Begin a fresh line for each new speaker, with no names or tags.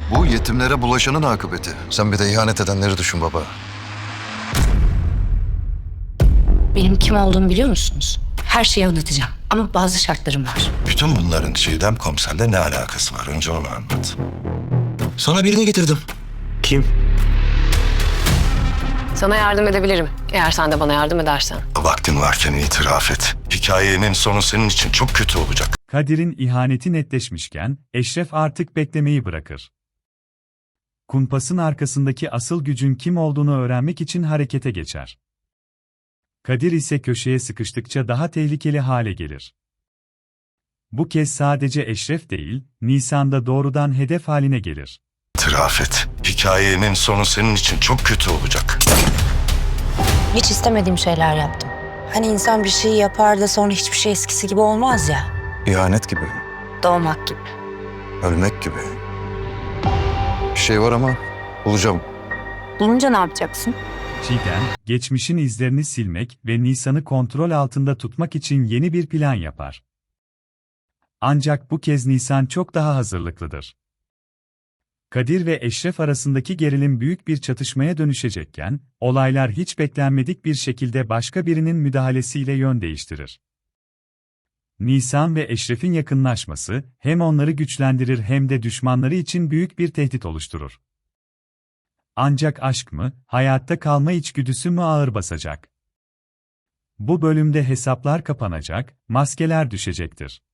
Bu yetimlere bulaşanın akıbeti. Sen bir de ihanet edenleri düşün baba.
Benim kim olduğumu biliyor musunuz? Her şeyi anlatacağım ama bazı şartlarım var.
Bütün bunların Çiğdem komiserle ne alakası var? Önce onu anlat. Sana birini getirdim.
Kim?
Sana yardım edebilirim. Eğer sen de bana yardım edersen.
Vaktin varken itiraf et. Hikayenin sonu senin için çok kötü olacak.
Kadir'in ihaneti netleşmişken, Eşref artık beklemeyi bırakır. Kumpasın arkasındaki asıl gücün kim olduğunu öğrenmek için harekete geçer. Kadir ise köşeye sıkıştıkça daha tehlikeli hale gelir. Bu kez sadece Eşref değil, Nisan'da doğrudan hedef haline gelir.
İtiraf et. Hikayenin sonu senin için çok kötü olacak.
Hiç istemediğim şeyler yaptım. Hani insan bir şey yapar da sonra hiçbir şey eskisi gibi olmaz ya.
İhanet gibi,
Doğmak gibi.
ölmek gibi. Bir şey var ama bulacağım.
Bulunca ne yapacaksın?
Çiğdem, geçmişin izlerini silmek ve Nisan'ı kontrol altında tutmak için yeni bir plan yapar. Ancak bu kez Nisan çok daha hazırlıklıdır. Kadir ve Eşref arasındaki gerilim büyük bir çatışmaya dönüşecekken, olaylar hiç beklenmedik bir şekilde başka birinin müdahalesiyle yön değiştirir. Nisan ve Eşref'in yakınlaşması, hem onları güçlendirir hem de düşmanları için büyük bir tehdit oluşturur. Ancak aşk mı, hayatta kalma içgüdüsü mü ağır basacak? Bu bölümde hesaplar kapanacak, maskeler düşecektir.